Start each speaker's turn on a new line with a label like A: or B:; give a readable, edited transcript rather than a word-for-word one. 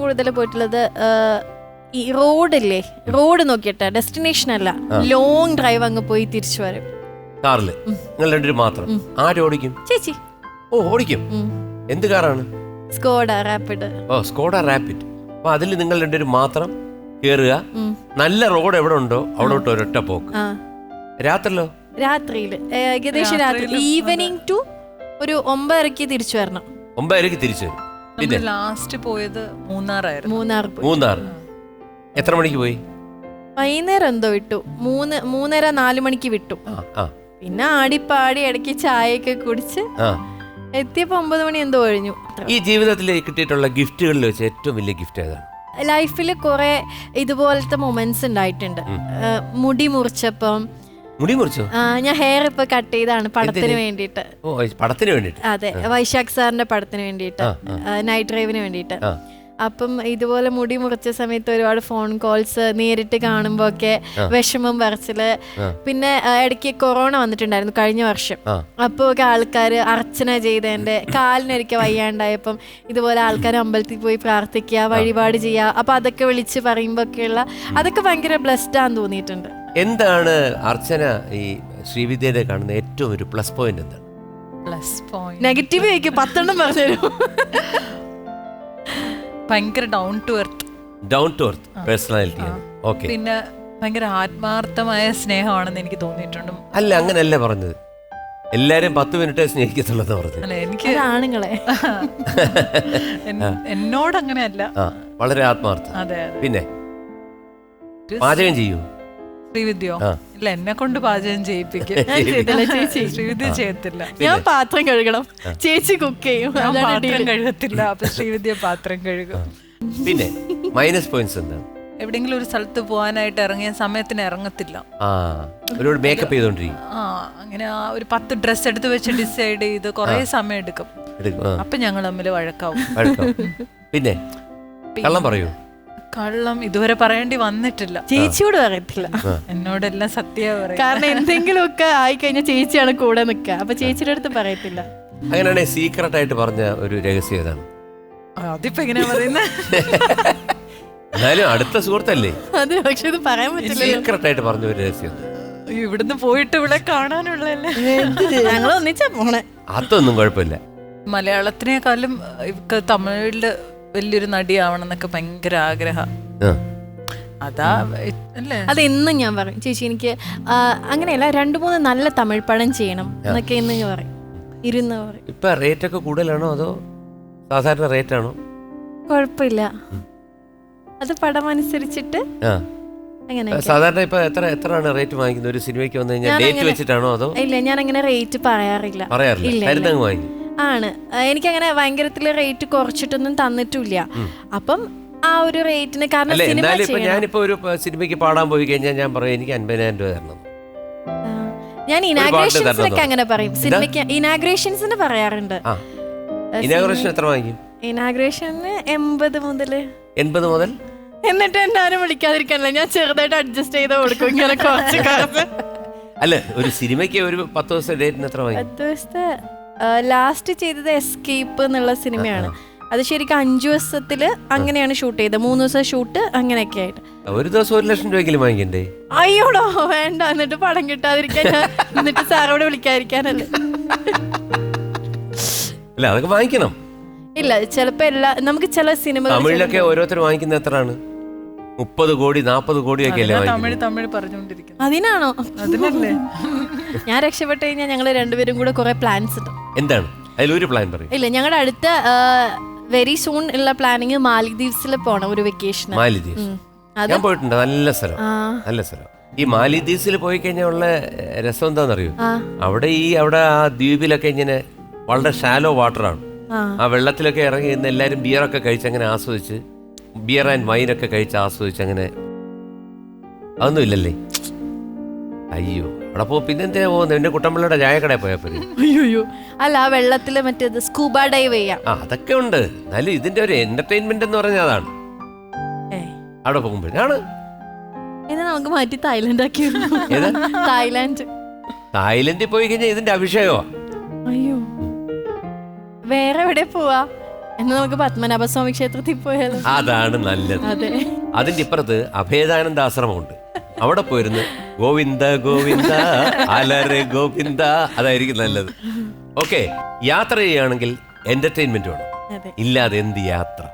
A: കൂടുതൽ പോയിട്ടുള്ളത് ഈ റോഡില്ലേ, റോഡ് നോക്കിയിട്ട് ഡെസ്റ്റിനേഷൻ അല്ല, ലോങ് ഡ്രൈവ് അങ്ങ് പോയി തിരിച്ചു വരും
B: കാറില്. നിങ്ങൾ രണ്ടുപേരും മാത്രം? ആര് ഓടിക്കും?
A: ചേച്ചി.
B: ഓ, ഓടിക്കും. എന്ത് കാറാണ്?
A: Skoda Rapid.
B: ഓ, സ്കോഡ റാപ്പിഡ്. അപ്പൊ അതിൽ നിങ്ങൾ രണ്ടുപേരും മാത്രം കേറുക. നല്ല റോഡ് എവിടെ ഉണ്ടോ അവിടോട്ട് ഒരൊറ്റ പോക്ക്. രാത്രിയിലോ?
A: രാത്രിയില് ഏകദേശം രാത്രി ഈവനിങ് ടു ഒരു 9:30 തിരിച്ചു വരണം.
B: 9:30 തിരിച്ചു വരും. പിന്നെ
C: ലാസ്റ്റ് പോയത് മൂന്നാറായിരുന്നു.
B: മൂന്നാർ. എത്ര മണിക്ക് പോയി?
A: വൈകുന്നേരം എന്തോ വിട്ടു, 3:30-4 മണിക്ക് വിട്ടു. പിന്നെ ആടിപ്പാടി ഇടയ്ക്ക് ചായയൊക്കെ കുടിച്ച് എത്തിയപ്പോ 9 മണി എന്തോ കഴിഞ്ഞു.
B: ഈ ജീവിതത്തിൽ കിട്ടിയിട്ടുള്ള ഗിഫ്റ്റുകളിൽ വെച്ച് ഏറ്റവും വലിയ ഗിഫ്റ്റ് ഏതാണ്?
A: ലൈഫിൽ കുറെ ഇതുപോലത്തെ മൊമെന്റ്സ് ഉണ്ടായിട്ടുണ്ട്. മുടി മുറിച്ചപ്പം.
B: മുടി മുറിച്ചോ?
A: ഞാൻ ഹെയർ ഇപ്പൊ കട്ട് ചെയ്താണ് പടത്തിന് വേണ്ടിട്ട്.
B: പടത്തിന് വേണ്ടിട്ട്?
A: അതെ, വൈശാഖ് സാറിന്റെ പടത്തിന് വേണ്ടിട്ട്, നൈറ്റ് ഡ്രൈവിന് വേണ്ടിട്ട്. അപ്പം ഇതുപോലെ മുടി മുറിച്ച സമയത്ത് ഒരുപാട് ഫോൺ കോൾസ്, നേരിട്ട് കാണുമ്പോ ഒക്കെ വിഷമം പറച്ചില്. പിന്നെ ഇടയ്ക്ക് കൊറോണ വന്നിട്ടുണ്ടായിരുന്നു കഴിഞ്ഞ വർഷം. അപ്പൊ ഒക്കെ ആൾക്കാര് അർച്ചന ചെയ്തതിന്റെ കാലിനൊരിക്കൽ വയ്യാണ്ടായപ്പം ഇതുപോലെ ആൾക്കാർ അമ്പലത്തിൽ പോയി പ്രാർത്ഥിക്കുക, വഴിപാട് ചെയ്യുക. അപ്പൊ അതൊക്കെ വിളിച്ച് പറയുമ്പോ ഒക്കെയുള്ള അതൊക്കെ ഭയങ്കര ബ്ലെസ്ഡ് ആണെന്ന് തോന്നിയിട്ടുണ്ട്.
B: എന്താണ് അർച്ചന ഈ ശ്രീവിദ്യയുടെ കാണുന്ന ഏറ്റവും ഒരു പ്ലസ് പോയിന്റ്? എന്താണ്
C: പ്ലസ് പോയിന്റ്?
A: നെഗറ്റീവ് ആയിരിക്കും, 10 പറഞ്ഞുതരും.
C: ഭയങ്കര down to earth
B: personality. Okay.
C: പിന്നെ ഭയങ്കര ആത്മാർത്ഥമായ സ്നേഹമാണെന്ന് എനിക്ക് തോന്നിയിട്ടുണ്ട്.
B: അല്ല, അങ്ങനെയല്ല പറഞ്ഞത്. എല്ലാരും 10 മിനിറ്റേ സ്നേഹിക്കത്തുള്ളൂ പറഞ്ഞു.
C: അല്ല, എനിക്ക്
A: ആണുങ്ങളെ
C: എന്നോട് അങ്ങനെയല്ല,
B: വളരെ ആത്മാർത്ഥം.
C: അതെ.
B: പിന്നെ പാചകം ചെയ്യൂ?
C: ശ്രീവിദ്യോ? ഇല്ല, എന്നെ കൊണ്ട് പാചകം ചെയ്യിപ്പിക്കും. ശ്രീവിദ്യ ചെയ്യത്തില്ല.
A: ഞാൻ പാത്രം കഴുകണം, ചേച്ചി കുക്ക് ചെയ്യും.
C: ഞാൻ പാത്രം കഴുകത്തില്ല, അപ്പൊ ശ്രീവിദ്യ പാത്രം കഴുകും.
B: പിന്നെ മൈനസ് പോയിന്റ്സ് എന്താണ്?
C: എവിടെയെങ്കിലും ഒരു സ്ഥലത്ത് പോകാനായിട്ട് ഇറങ്ങിയ സമയത്തിന് ഇറങ്ങത്തില്ല.
B: ഒരുപാട് മേക്കപ്പ് ചെയ്തോണ്ടിരിക്കും.
C: അങ്ങനെ ഒരു 10 ഡ്രസ് എടുത്ത് വെച്ച് ഡിസൈഡ് ചെയ്ത് കുറെ സമയം എടുക്കും. അപ്പൊ ഞങ്ങൾ തമ്മിൽ വഴക്കാവും.
B: പിന്നെ കള്ളം പറയൂ?
C: കള്ളം ഇതുവരെ പറയേണ്ടി വന്നിട്ടില്ല.
A: ചേച്ചിയോട് പറയത്തില്ല,
C: എന്നോടെല്ലാം സത്യം പറയും.
A: കാരണം എന്തെങ്കിലുമൊക്കെ ആയിക്കഴിഞ്ഞാൽ ചേച്ചിയാണ് കൂടെ നിൽക്കുക. അപ്പൊ ചേച്ചിയുടെ അടുത്ത് പറയത്തില്ല.
B: അങ്ങനെയാണെങ്കിൽ സീക്രട്ട് ആയിട്ട് പറഞ്ഞ ഒരു രഹസ്യം ഏതാണ്?
C: അതിപ്പോ എങ്ങനെയാ പറയുന്നത്?
B: എന്നാലും അടുത്ത സുഹൃത്തല്ലേ?
A: അതെ, പക്ഷെ ഇത് പറയാൻ പറ്റില്ല.
B: സീക്രട്ട് ആയിട്ട് പറഞ്ഞ ഒരു രഹസ്യം.
C: ഇവിടുന്ന് പോയിട്ട് ഇവിടെ കാണാനുള്ളല്ലേ,
A: ഞങ്ങൾ ഒന്നിച്ചാ പോണേ.
B: അതൊന്നും കുഴപ്പമില്ല.
C: മലയാളത്തിനേക്കാളും തമിഴില് വലിയൊരു നടിയാവണം എന്നൊക്കെ ഭയങ്കര ആഗ്രഹം. അതാ അല്ലേ?
A: അതെന്നും ഞാൻ പറയും, ചേച്ചി എനിക്ക് അങ്ങനെയല്ല, 2-3 നല്ല തമിഴ് പടം ചെയ്യണം എന്നൊക്കെ എന്ന് പറയും, ഇരുന്ന് പറയും.
B: ഇപ്പൊ റേറ്റ് ഒക്കെ കൂടുതലാണോ അതോ സാധാരണ റേറ്റ് ആണോ?
A: കുഴപ്പമില്ല, അത് പടം അനുസരിച്ചിട്ട്.
B: സാധാരണ ഇപ്പൊ എത്രയാണ് റേറ്റ് വാങ്ങിക്കുന്നത് ഒരു സിനിമയ്ക്ക് വന്നു കഴിഞ്ഞാൽ? ഡേറ്റ് വെച്ചിട്ടാണോ അതോ?
A: ഇല്ല, ഞാൻ അങ്ങനെ റേറ്റ് പറയാറില്ല.
B: വാങ്ങി
A: ആണ്, എനിക്കങ്ങനെ ഭയങ്കരത്തില് റേറ്റ് കുറച്ചിട്ടൊന്നും തന്നിട്ടില്ല. അപ്പം ആ ഒരു റേറ്റിന്, കാരണം
B: ഞാനിപ്പോ ഒരു സിനിമയ്ക്ക് പാടാൻ പോയി കഴിഞ്ഞാൽ ഞാൻ പറയും എനിക്ക് 50,000 രൂപ തരണം.
A: ഞാൻ ഇനാഗ്രേഷൻസിനൊക്കെ അങ്ങനെ പറയും. സിനിമയ്ക്ക് ഇനാഗ്രേഷൻസിന് പറയാറുണ്ട്.
B: ഇനാഗ്രേഷൻ എത്ര വാങ്ങിക്കും?
A: ഇനാഗ്രേഷന് 80 മുതൽ. എന്നിട്ട് എന്നെ ആരും വിളിക്കാതിരിക്കാനല്ല, ഞാൻ ചെറുതായിട്ട് അഡ്ജസ്റ്റ് ചെയ്ത് കൊടുക്കും ഇങ്ങനെ കുറച്ച് കാലത്ത്.
B: അല്ല, ഒരു സിനിമയ്ക്ക് ഒരു 10 ദിവസത്തെ ഡേറ്റിന് എത്ര വാങ്ങിക്കും?
A: 10 ദിവസത്തെ ലാസ്റ്റ് ചെയ്തത് എസ്കേപ്പ് എന്നുള്ള സിനിമയാണ്. അത് ശരിക്കും 5 ദിവസത്തില് അങ്ങനെയാണ് ഷൂട്ട് ചെയ്തത്. 3 ദിവസം ഷൂട്ട് അങ്ങനെയൊക്കെ ആയിട്ട്.
B: ഒരു ദിവസം 1 ലക്ഷം രൂപയെങ്കിലും വാങ്ങിക്കണ്ടേ?
A: അയ്യോടോ വേണ്ട, എന്നിട്ട് പടം കിട്ടാതിരിക്കാൻ, എന്നിട്ട് സാറോട് വിളിക്കാതിരിക്കാനല്ലേ.
B: അല്ല, അതൊക്കെ വാങ്ങിക്കണം.
A: ഇല്ല, ചിലപ്പോ നമുക്ക് ചില സിനിമ
B: തമിഴിലൊക്കെ ഓരോരുത്തർ വാങ്ങിക്കുന്നത് എത്രയാണ്? 30 കോടി 40 കോടിയൊക്കെ അല്ലേ?
C: തമിഴ് പറഞ്ഞോണ്ടിരിക്കുന്നു.
A: അതിനാണോ?
C: അതിനല്ലേ
A: ഞാൻ രക്ഷപ്പെട്ട് കഴിഞ്ഞാൽ ഞങ്ങൾ രണ്ടുപേരും കൂടെ കുറെ പ്ലാൻസ് ഇടും.
B: എന്താണ് അതിലൊരു പ്ലാൻ പറയും?
A: ഇല്ല, ഞങ്ങളുടെ അടുത്ത വെരി സൂൺ ഉള്ള പ്ലാനിങ് മാലിദ്വീപ്സിൽ പോണം, ഒരു വെക്കേഷൻ.
B: മാലിദ്വീപ്സ് ഞാൻ പോയിട്ടുണ്ട്. നല്ല സ്ഥലം, നല്ല സ്ഥലം. ഈ മാലിദ്വീപ്സിൽ പോയി കഴിഞ്ഞാൽ ഉള്ള രസം എന്താണെന്നറിയോ? അവിടെ ആ ദ്വീപിലൊക്കെ ഇങ്ങനെ വളരെ ഷാലോ വാട്ടറാണ്. ആ വെള്ളത്തിലൊക്കെ ഇറങ്ങി ഇന്ന് എല്ലാവരും ബിയറൊക്കെ കഴിച്ച് അങ്ങനെ ആസ്വദിച്ച്, ബിയർ ആൻഡ് വൈനൊക്കെ കഴിച്ച് ആസ്വദിച്ച് അങ്ങനെ. അതൊന്നും ഇല്ലല്ലേ? അയ്യോ, അവിടെ പോ. പിന്നെ എന്തിനാ പോകുന്നത്? എന്റെ കുട്ടമ്പിള്ളയുടെ ചായക്കടയിൽ പോയാൽ പോരെ?
A: അയ്യോ, അല്ല, ആ വെള്ളത്തില് മറ്റേത് സ്കൂബ ഡൈവ് ചെയ്യാം.
B: അതൊക്കെ ഉണ്ട്. എന്നാലും ഇതിന്റെ ഒരു എന്റർടൈൻമെന്റ് എന്ന് പറഞ്ഞാൽ അതാണ്. അവിടെ പോകുമ്പോഴാണ്.
A: നമുക്ക് മാറ്റി തായ്ലൻഡ് ആക്കി.
B: തായ്ലൻഡിൽ പോയി കഴിഞ്ഞാൽ ഇതിന്റെ അഭിഷേകമാ.
A: അയ്യോ, വേറെ എവിടെ പോവാ? എന്നാ നമുക്ക് പത്മനാഭസ്വാമി ക്ഷേത്രത്തിൽ പോയാലോ?
B: അതാണ് നല്ലത്.
A: അതെ.
B: അതിന്റെ ഇപ്പുറത്ത് അഭേദാനന്ദ ആശ്രമമുണ്ട്. അവിടെ പോയിരുന്ന് ഗോവിന്ദ ഗോവിന്ദ അലരെ ഗോവിന്ദ, അതായിരിക്കും നല്ലത്. ഓക്കെ, യാത്ര ചെയ്യുകയാണെങ്കിൽ എന്റർടൈൻമെന്റ് വേണം,
A: അതെ.
B: ഇല്ലാതെ എന്ത് യാത്ര?